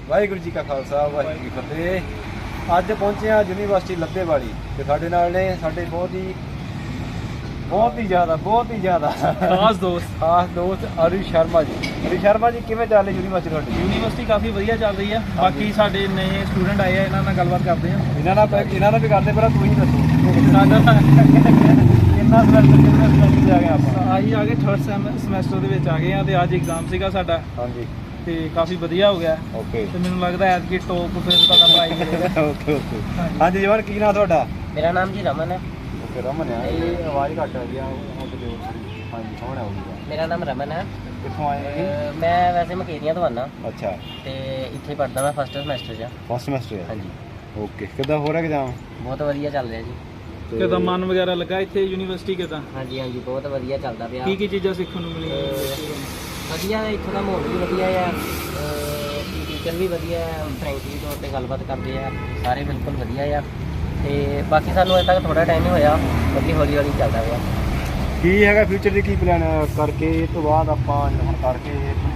ਵਾਹਿਗੁਰੂ ਜੀ ਕਾ ਖਾਲਸਾ ਵਾਹਿਗੁਰੂ ਜੀ ਕੀ ਫਤਿਹ। ਅੱਜ ਪਹੁੰਚੇ ਹਾਂ ਯੂਨੀਵਰਸਿਟੀ ਲੱਧੇਵਾਲੀ ਤੇ ਸਾਡੇ ਨਾਲ ਨੇ ਸਾਡੇ ਬਹੁਤ ਹੀ ਜ਼ਿਆਦਾ ਖਾਸ ਦੋਸਤ ਅਰੀ ਸ਼ਰਮਾ ਜੀ। ਅਰੀ ਸ਼ਰਮਾ ਜੀ, ਕਿਵੇਂ ਚੱਲ ਰਹੀ ਯੂਨੀਵਰਸਿਟੀ ਤੁਹਾਡੀ? ਯੂਨੀਵਰਸਿਟੀ ਕਾਫੀ ਵਧੀਆ ਚੱਲ ਰਹੀ ਹੈ। ਬਾਕੀ ਸਾਡੇ ਨਵੇਂ ਸਟੂਡੈਂਟ ਆਏ ਆ, ਇਹਨਾਂ ਨਾਲ ਗੱਲਬਾਤ ਕਰਦੇ ਆ। ਇਹਨਾਂ ਨਾਲ ਵੀ ਕਰਦੇ, ਪਰ ਤੁਸੀਂ ਦੱਸੋ ਸਾਡਾ ਕਿੰਨਾ ਸਮੈਸਟਰ ਜਾ ਗਏ ਆਪਾਂ? ਆਹੀ ਆ ਗਏ 3rd ਸਮੈਸਟਰ ਦੇ ਵਿੱਚ ਆ ਗਏ ਆ ਤੇ ਅੱਜ ਐਗਜ਼ਾਮ ਸੀਗਾ ਸਾਡਾ ਹਾਂਜੀ ਤੇ ਕਾਫੀ ਵਧੀਆ ਹੋ ਗਿਆ। ਓਕੇ ਤੇ ਮੈਨੂੰ ਲੱਗਦਾ ਐਤਕੀ ਟੌਪ ਫਿਰ ਤੁਹਾਡਾ ਪ੍ਰਾਈਜ਼ ਮਿਲੇਗਾ। ਓਕੇ ਹਾਂਜੀ ਜਵਾਨ, ਕੀ ਨਾਮ ਤੁਹਾਡਾ? ਮੇਰਾ ਨਾਮ ਜੀ ਰਮਨ ਹੈ। ਓਕੇ ਰਮਨ ਆ। ਇਹ ਆਵਾਜ਼ ਘੱਟ ਆ ਰਹੀ ਆ, ਹਾਂਜੀ ਕੌਣ ਆਊਗਾ? ਮੇਰਾ ਨਾਮ ਰਮਨ ਹੈ। ਕਿੱਥੋਂ ਆਏ ਹੋ ਜੀ? ਮੈਂ ਵੈਸੇ ਮਕੇਰੀਆਂ ਤੋਂ ਆਉਣਾ ਅੱਛਾ, ਤੇ ਇੱਥੇ ਪੜ੍ਹਦਾ ਮੈਂ 1st ਸਮੈਸਟਰ 'ਚ। First semester? ਹਾਂਜੀ। ਓਕੇ, ਕਿੱਦਾਂ ਹੋ ਰਿਹਾ ਐਗਜ਼ਾਮ? ਬਹੁਤ ਵਧੀਆ ਚੱਲ ਰਿਹਾ ਜੀ। ਕਿਦਾਂ ਮਨ ਵਗੈਰਾ ਲੱਗਾ ਇੱਥੇ ਯੂਨੀਵਰਸਿਟੀ ਕਿਦਾਂ? ਹਾਂਜੀ ਬਹੁਤ ਵਧੀਆ ਚੱਲਦਾ ਪਿਆ। ਕੀ ਚੀਜ਼ਾਂ ਸਿੱਖਣ ਨੂੰ ਮਿਲੀਆਂ? ਵਧੀਆ, ਇੱਥੋਂ ਦਾ ਮਾਹੌਲ ਵੀ ਵਧੀਆ ਆ, ਟੀਚਰ ਵੀ ਵਧੀਆ ਆ, ਫਰੈਂਕਲੀ ਤੌਰ 'ਤੇ ਗੱਲਬਾਤ ਕਰਦੇ ਆ, ਸਾਰੇ ਬਿਲਕੁਲ ਵਧੀਆ ਆ। ਤੇ ਬਾਕੀ ਸਾਨੂੰ ਅਜੇ ਤੱਕ ਥੋੜ੍ਹਾ ਟਾਈਮ ਹੀ ਹੋਇਆ, ਬਾਕੀ ਹੌਲੀ ਚੱਲਦਾ ਪਿਆ। ਕੀ ਹੈਗਾ ਫਿਊਚਰ ਦੀ, ਕੀ ਪਲਾਨ ਕਰਕੇ ਇਹ ਤੋਂ ਬਾਅਦ ਆਪਾਂ ਹੁਣ ਕਰਕੇ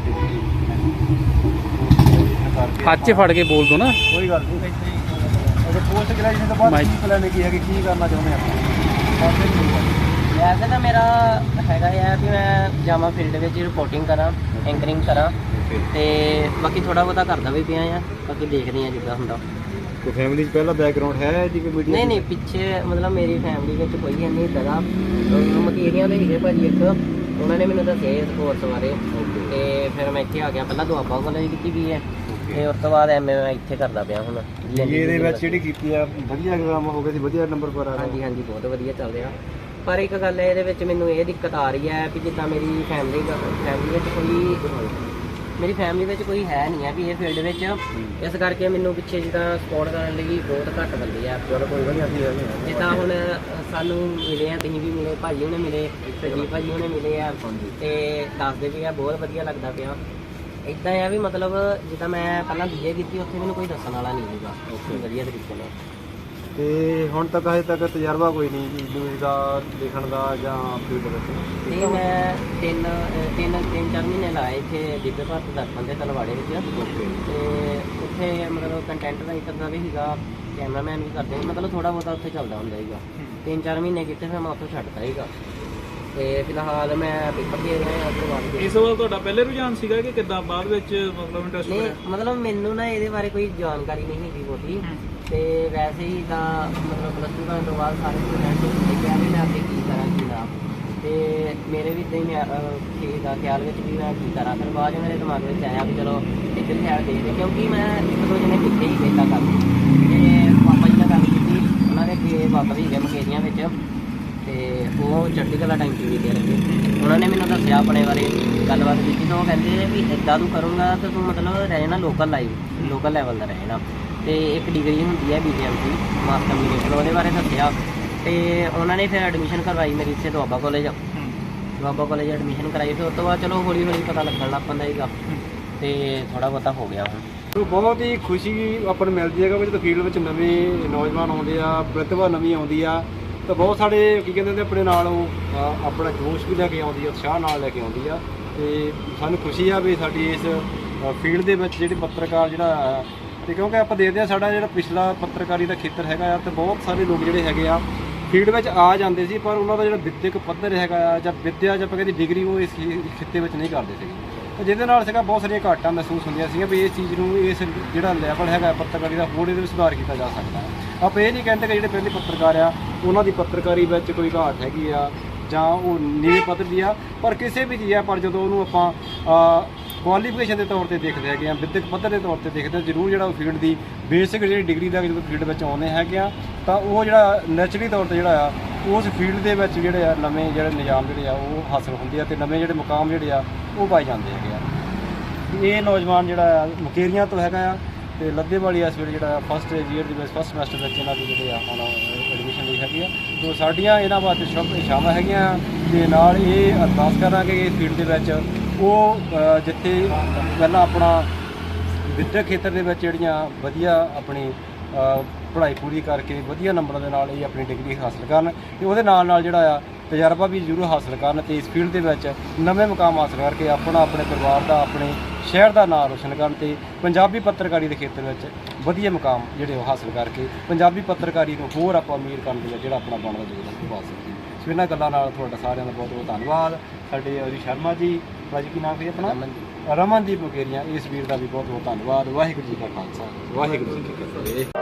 ਹੱਥ 'ਚ ਫੜ ਕੇ ਬੋਲ ਦੋ ਨਾ। ਕੋਈ ਗੱਲ ਨਹੀਂ। ਅਜੇ ਪੋਸਟ ਗ੍ਰੈਜੂਏਸ਼ਨ ਤੋਂ ਬਾਅਦ ਕੀ ਪਲਾਨ ਕੀ ਹੈਗੀ, ਕੀ ਕਰਨਾ ਚਾਹੁੰਦੇ ਆਪਾਂ? ਵੈਸੇ ਤਾਂ ਮੇਰਾ ਹੈਗਾ ਆ ਵੀ ਮੈਂ ਜਾਵਾਂ ਫੀਲਡ ਵਿੱਚ ਰਿਪੋਰਟਿੰਗ ਕਰਾਂ, ਐਂਕਰਿੰਗ ਕਰਾਂ, ਤੇ ਬਾਕੀ ਥੋੜ੍ਹਾ ਬਹੁਤਾ ਕਰਦਾ ਵੀ ਪਿਆ ਆ, ਬਾਕੀ ਦੇਖਦੇ ਆ ਜਿੱਦਾਂ ਹੁੰਦਾ। ਕੋਈ ਫੈਮਿਲੀ 'ਚ ਪਹਿਲਾ ਬੈਕਗਰਾਉਂਡ ਹੈ ਜੀ ਕੋਈ ਮੀਡੀਆ? ਨਹੀਂ ਪਿੱਛੇ ਮਤਲਬ ਮੇਰੀ ਫੈਮਿਲੀ ਵਿੱਚ ਕੋਈ ਨਹੀਂ ਇੱਦਾਂ ਦਾ। ਮਕੇਰੀਆਂ ਦੇ ਸੀਗੇ ਭਾਜੀ ਇੱਕ, ਉਹਨਾਂ ਨੇ ਮੈਨੂੰ ਦੱਸਿਆ ਇਸ ਕੋਰਸ ਬਾਰੇ, ਤੇ ਫਿਰ ਮੈਂ ਇੱਥੇ ਆ ਗਿਆ। ਪਹਿਲਾਂ ਦੁਆਬਾ ਕਾਲਜ ਕੀਤੀ ਵੀ ਹੈ, ਤੇ ਉਸ ਤੋਂ ਬਾਅਦ ਐਮਏ ਮੈਂ ਇੱਥੇ ਕਰਦਾ ਪਿਆ ਹੁਣ। ਇਹਦੇ ਵਿੱਚ ਜਿਹੜੀ ਕੀਤੀ ਆ ਵਧੀਆ ਐਗਜ਼ਾਮ ਹੋ ਗਏ ਸੀ, ਵਧੀਆ ਨੰਬਰ ਪਰ ਆ ਰਹੇ? ਹਾਂਜੀ ਬਹੁਤ ਵਧੀਆ ਚੱਲ ਰਿਹਾ। ਪਰ ਇੱਕ ਗੱਲ ਹੈ ਇਹਦੇ ਵਿੱਚ ਮੈਨੂੰ ਇਹ ਦਿੱਕਤ ਆ ਰਹੀ ਹੈ ਵੀ ਜਿੱਦਾਂ ਮੇਰੀ ਫੈਮਿਲੀ ਵਿੱਚ ਕੋਈ ਹੈ ਨਹੀਂ ਹੈ ਵੀ ਇਹ ਫੀਲਡ ਵਿੱਚ, ਇਸ ਕਰਕੇ ਮੈਨੂੰ ਪਿੱਛੇ ਜਿੱਦਾਂ ਸਪੋਰਟ ਕਰਨ ਲਈ ਬਹੁਤ ਘੱਟ ਬੰਦੇ ਆ। ਜਿੱਦਾਂ ਹੁਣ ਸਾਨੂੰ ਮਿਲੇ ਆ, ਤੁਸੀਂ ਵੀ ਮਿਲੇ, ਭਾਜੀ ਉਹਨੇ ਮਿਲੇ, ਸਰਜੀਤ ਭਾਜੀ ਉਹਨੇ ਮਿਲੇ ਆ, ਤੇ ਦੱਸਦੇ ਵੀ ਆ ਬਹੁਤ ਵਧੀਆ ਲੱਗਦਾ ਪਿਆ। ਇੱਦਾਂ ਆ ਵੀ ਮਤਲਬ ਜਿੱਦਾਂ ਮੈਂ ਪਹਿਲਾਂ BA ਕੀਤੀ, ਉੱਥੇ ਮੈਨੂੰ ਕੋਈ ਦੱਸਣ ਵਾਲਾ ਨਹੀਂ ਸੀਗਾ ਵਧੀਆ ਤਰੀਕੇ ਨਾਲ। ਤੇ ਹੁਣ ਤੱਕ ਹਜੇ ਤੱਕ ਤਜਰਬਾ ਕੋਈ ਨਹੀਂ ਜੀ ਨਿਊਜ਼ ਦਾ ਲਿਖਣ ਦਾ ਜਾਂ ਫੀਲਡ ਵਿੱਚ? ਨਹੀਂ, ਮੈਂ 3-4 ਮਹੀਨੇ ਲਾਏ ਇੱਥੇ ਦਿੱਬੇ ਭਾਰਤ ਦਰਪਣ ਦੇ ਤਲਵਾੜੇ ਵਿੱਚ, ਤੇ ਉੱਥੇ ਮਤਲਬ ਕੰਟੈਂਟ ਰਾਈਟਰ ਦਾ ਵੀ ਸੀਗਾ, ਕੈਮਰਾਮੈਨ ਵੀ ਕਰਦੇ ਸੀ, ਮਤਲਬ ਥੋੜ੍ਹਾ ਬਹੁਤਾ ਉੱਥੇ ਚੱਲਦਾ ਹੁੰਦਾ ਸੀਗਾ। 3-4 ਮਹੀਨੇ ਕੀਤੇ, ਫਿਰ ਮੈਂ ਉੱਥੋਂ ਛੱਡਤਾ ਸੀਗਾ, ਤੇ ਫਿਲਹਾਲ ਮੈਂ ਪੇਪਰ ਦੇ ਰਿਹਾ ਉਸ ਤੋਂ ਬਾਅਦ। ਇਸ ਵਾਰ ਤੁਹਾਡਾ ਪਹਿਲੇ ਰੁਝਾਨ ਸੀਗਾ ਕਿ ਕਿੱਦਾਂ ਬਾਅਦ ਵਿੱਚ ਮਤਲਬ ਇੰਟਰਸਟ ਨਹੀਂ, ਹੋਇਆ? ਮਤਲਬ ਮੈਨੂੰ ਨਾ ਇਹਦੇ ਬਾਰੇ ਕੋਈ ਜਾਣਕਾਰੀ ਨਹੀਂ ਹੈਗੀ ਬਹੁਤੀ, ਤੇ ਵੈਸੇ ਹੀ ਤਾਂ ਮਤਲਬ ਪਲੱਸ 2 ਕਰਨ ਤੋਂ ਬਾਅਦ ਸਾਰੇ ਸਟੂਡੈਂਟ ਦੇਖਿਆ ਵੀ ਮੈਂ ਅੱਗੇ ਕੀ ਕਰਾਂ ਕੀ ਨਾ, ਤੇ ਮੇਰੇ ਵੀ ਇੱਦਾਂ ਹੀ ਚੀਜ਼ ਦਾ ਖਿਆਲ ਵਿੱਚ ਵੀ ਮੈਂ ਕੀ ਕਰਾਂ। ਫਿਰ ਬਾਅਦ ਮੇਰੇ ਦਿਮਾਗ ਵਿੱਚ ਆਇਆ ਵੀ ਚਲੋ ਇੱਧਰ ਖਿਆਲ ਦੇਖਦੇ, ਕਿਉਂਕਿ ਮੈਂ 1-2 ਜਣੇ ਕਿੱਥੇ ਹੀ ਇੱਦਾਂ ਕਰਦੇ, ਤੇ ਪਾਪਾ ਜੀ ਨਾਲ ਗੱਲ ਕੀਤੀ, ਉਹਨਾਂ ਦੇ ਅੱਗੇ ਪਾਪਾ ਵੀ ਗਏ ਮਕੇਰੀਆਂ ਵਿੱਚ, ਤੇ ਉਹ ਚੜ੍ਹਦੀ ਕਲਾ ਟਾਈਮ TV ਤੇ ਲੱਗੇ। ਉਹਨਾਂ ਨੇ ਮੈਨੂੰ ਦੱਸਿਆ ਆਪਣੇ ਬਾਰੇ, ਗੱਲਬਾਤ ਕੀਤੀ, ਤਾਂ ਉਹ ਕਹਿੰਦੇ ਵੀ ਇੱਦਾਂ ਤੂੰ ਕਰੂੰਗਾ ਤਾਂ ਤੂੰ ਮਤਲਬ ਰਹੇ ਨਾ ਲੋਕਲ ਲੈਵਲ ਦਾ ਰਹੇ ਨਾ, ਤੇ ਇੱਕ ਡਿਗਰੀ ਹੁੰਦੀ ਹੈ BCMC ਮਾਸ ਕਮਿਊਨੀਕੇਸ਼ਨ, ਉਹਦੇ ਬਾਰੇ ਦੱਸਿਆ। ਤੇ ਉਹਨਾਂ ਨੇ ਫਿਰ ਐਡਮਿਸ਼ਨ ਕਰਵਾਈ ਮੇਰੀ ਇੱਥੇ ਦੁਆਬਾ ਕਾਲਜ ਐਡਮਿਸ਼ਨ ਕਰਾਈ। ਫਿਰ ਉਸ ਤੋਂ ਬਾਅਦ ਚਲੋ ਹੌਲੀ ਪਤਾ ਲੱਗਣ ਲੱਗ ਪੈਂਦਾ ਸੀਗਾ, ਤੇ ਥੋੜ੍ਹਾ ਬਹੁਤਾ ਹੋ ਗਿਆ ਹੁਣ। ਬਹੁਤ ਹੀ ਖੁਸ਼ੀ ਆਪਾਂ ਨੂੰ ਮਿਲਦੀ ਹੈਗਾ ਵੀ ਜਦੋਂ ਫੀਲਡ ਵਿੱਚ ਨਵੇਂ ਨੌਜਵਾਨ ਆਉਂਦੇ ਆ, ਪ੍ਰਤਿਭਾ ਨਵੀਂ ਆਉਂਦੀ ਆ, ਤਾਂ ਬਹੁਤ ਸਾਰੇ ਕੀ ਕਹਿੰਦੇ ਨੇ ਆਪਣੇ ਨਾਲ ਉਹ ਆਪਣਾ ਜੋਸ਼ ਵੀ ਲੈ ਕੇ ਆਉਂਦੀ ਆ, ਉਤਸ਼ਾਹ ਨਾਲ ਲੈ ਕੇ ਆਉਂਦੀ ਆ। ਤੇ ਸਾਨੂੰ ਖੁਸ਼ੀ ਆ ਵੀ ਸਾਡੀ ਇਸ ਫੀਲਡ ਦੇ ਵਿੱਚ ਜਿਹੜੇ ਪੱਤਰਕਾਰ ਜਿਹੜਾ, ਤੇ ਕਿਉਂਕਿ ਆਪਾਂ ਦੇਖਦੇ ਆ ਸਾਡਾ ਜਿਹੜਾ ਪਿਛਲਾ ਪੱਤਰਕਾਰੀ ਦਾ ਖੇਤਰ ਹੈਗਾ ਆ, ਤੇ ਬਹੁਤ ਸਾਰੇ ਲੋਕ ਜਿਹੜੇ ਹੈਗੇ ਆ ਫੀਲਡ ਵਿੱਚ ਆ ਜਾਂਦੇ ਸੀ, ਪਰ ਉਹਨਾਂ ਦਾ ਜਿਹੜਾ ਵਿੱਦਿਅਕ ਪੱਧਰ ਹੈਗਾ ਆ ਜਾਂ ਵਿੱਦਿਆ ਜਾਂ ਆਪਾਂ ਕਹਿੰਦੇ ਡਿਗਰੀ, ਉਹ ਇਸ ਖਿੱਤੇ ਵਿੱਚ ਨਹੀਂ ਕਰਦੇ ਸੀਗੇ, ਤੇ ਜਿਹਦੇ ਨਾਲ ਸੀਗਾ ਬਹੁਤ ਸਾਰੀਆਂ ਘਾਟਾਂ ਮਹਿਸੂਸ ਹੁੰਦੀਆਂ ਸੀਗੀਆਂ ਵੀ ਇਸ ਚੀਜ਼ ਨੂੰ, ਇਸ ਜਿਹੜਾ ਲੈਵਲ ਹੈਗਾ ਪੱਤਰਕਾਰੀ ਦਾ, ਹੋਰ ਇਹਦੇ ਵਿੱਚ ਸੁਧਾਰ ਕੀਤਾ ਜਾ ਸਕਦਾ ਹੈ। ਆਪਾਂ ਇਹ ਨਹੀਂ ਕਹਿੰਦੇ ਕਿ ਜਿਹੜੇ ਪਹਿਲੇ ਪੱਤਰਕਾਰ ਆ ਉਹਨਾਂ ਦੀ ਪੱਤਰਕਾਰੀ ਵਿੱਚ ਕੋਈ ਘਾਟ ਹੈਗੀ ਆ ਜਾਂ ਉਹ ਨੀਵੇਂ ਪੱਧਰ ਦੀ ਆ, ਪਰ ਕਿਸੇ ਵੀ ਚੀਜ਼ ਆ, ਪਰ ਜਦੋਂ ਉਹਨੂੰ ਆਪਾਂ ਕੁਆਲੀਫਿਕੇਸ਼ਨ ਦੇ ਤੌਰ ਤੇ ਦੇਖਦੇ ਹੈਗੇ ਆ, ਵਿੱਦਿਅਕ ਪੱਧਰ ਦੇ ਤੌਰ ਤੇ ਦੇਖਦੇ, ਜ਼ਰੂਰ ਜਿਹੜਾ ਉਹ ਫੀਲਡ ਦੀ ਬੇਸਿਕ ਜਿਹੜੀ ਡਿਗਰੀ ਦਾ ਜਦੋਂ ਫੀਲਡ ਵਿੱਚ ਆਉਂਦੇ ਹੈਗੇ ਆ, ਤਾਂ ਉਹ ਜਿਹੜਾ ਨੈਚੁਰਲੀ ਤੌਰ ਤੇ ਜਿਹੜਾ ਆ ਉਸ ਫੀਲਡ ਦੇ ਵਿੱਚ ਜਿਹੜੇ ਆ ਨਵੇਂ ਜਿਹੜੇ ਨਿਯਾਮ ਜਿਹੜੇ ਆ ਉਹ ਹਾਸਲ ਹੁੰਦੇ ਆ, ਤੇ ਨਵੇਂ ਜਿਹੜੇ ਮੁਕਾਮ ਜਿਹੜੇ ਆ ਉਹ ਪਾਏ ਜਾਂਦੇ ਹੈਗੇ ਆ। ਇਹ ਨੌਜਵਾਨ ਜਿਹੜਾ ਮਕੇਰੀਆਂ ਤੋਂ ਹੈਗਾ ਆ, ਤੇ ਲੱਧੇਵਾਲੀ ਇਸ ਵੇਲੇ ਜਿਹੜਾ ਫਸਟ ਈਅਰ ਦੇ ਵਿੱਚ ਫਸਟ ਸਮੈਸਟਰ ਵਿੱਚ ਇਹਨਾਂ ਦੀ ਜਿਹੜੇ ਆ ਹੁਣ ਐਡਮਿਸ਼ਨ ਲਈ ਹੈਗੀ ਆ। ਤੋ ਸਾਡੀਆਂ ਇਹਨਾਂ ਵਾਸਤੇ ਸ਼ੁਭ ਇਛਾਵਾਂ ਹੈਗੀਆਂ, ਤੇ ਨਾਲ ਇਹ ਅਰਦਾਸ ਕਰਾਂਗੇ ਕਿ ਇਸ ਫੀਲਡ ਦੇ ਵਿੱਚ ਉਹ ਜਿੱਥੇ ਪਹਿਲਾਂ ਆਪਣਾ ਵਿੱਦਿਅਕ ਖੇਤਰ ਦੇ ਵਿੱਚ ਜਿਹੜੀਆਂ ਵਧੀਆ ਆਪਣੀ ਪੜ੍ਹਾਈ ਪੂਰੀ ਕਰਕੇ ਵਧੀਆ ਨੰਬਰਾਂ ਦੇ ਨਾਲ ਇਹ ਆਪਣੀ ਡਿਗਰੀ ਹਾਸਲ ਕਰਨ, ਤੇ ਉਹਦੇ ਨਾਲ ਜਿਹੜਾ ਆ ਤਜਰਬਾ ਵੀ ਜ਼ਰੂਰ ਹਾਸਲ ਕਰਨ, ਤੇ ਇਸ ਫੀਲਡ ਦੇ ਵਿੱਚ ਨਵੇਂ ਮੁਕਾਮ ਹਾਸਲ ਕਰਕੇ ਆਪਣੇ ਪਰਿਵਾਰ ਦਾ, ਆਪਣੇ ਸ਼ਹਿਰ ਦਾ ਨਾਮ ਰੋਸ਼ਨ ਕਰਨ ਤੇ ਪੰਜਾਬੀ ਪੱਤਰਕਾਰੀ ਦੇ ਖੇਤਰ ਵਿੱਚ ਵਧੀਆ ਮੁਕਾਮ ਜਿਹੜੇ ਉਹ ਹਾਸਲ ਕਰਕੇ ਪੰਜਾਬੀ ਪੱਤਰਕਾਰੀ ਨੂੰ ਹੋਰ ਆਪਾਂ ਅਮੀਰ ਕਰਨ ਦੇ ਵਿੱਚ ਜਿਹੜਾ ਆਪਣਾ ਬਣਦਾ ਯੋਗਦਾਨ ਪਾ ਸਕੀਏ। ਸੋ ਇਹਨਾਂ ਗੱਲਾਂ ਨਾਲ ਤੁਹਾਡਾ ਸਾਰਿਆਂ ਦਾ ਬਹੁਤ ਬਹੁਤ ਧੰਨਵਾਦ। ਸਾਡੇ ਅਰੀ ਸ਼ਰਮਾ ਜੀ, ਭਾਜੀ ਕੀ ਨਾਮ ਹੈ ਆਪਣਾ? ਰਮਨਦੀਪ ਮੁਕੇਰੀਆਂ, ਇਸ ਵੀਰ ਦਾ ਵੀ ਬਹੁਤ ਬਹੁਤ ਧੰਨਵਾਦ। ਵਾਹਿਗੁਰੂ ਜੀ ਕਾ ਖਾਲਸਾ, ਵਾਹਿਗੁਰੂ ਜੀ ਕੀ ਫਤਿਹ।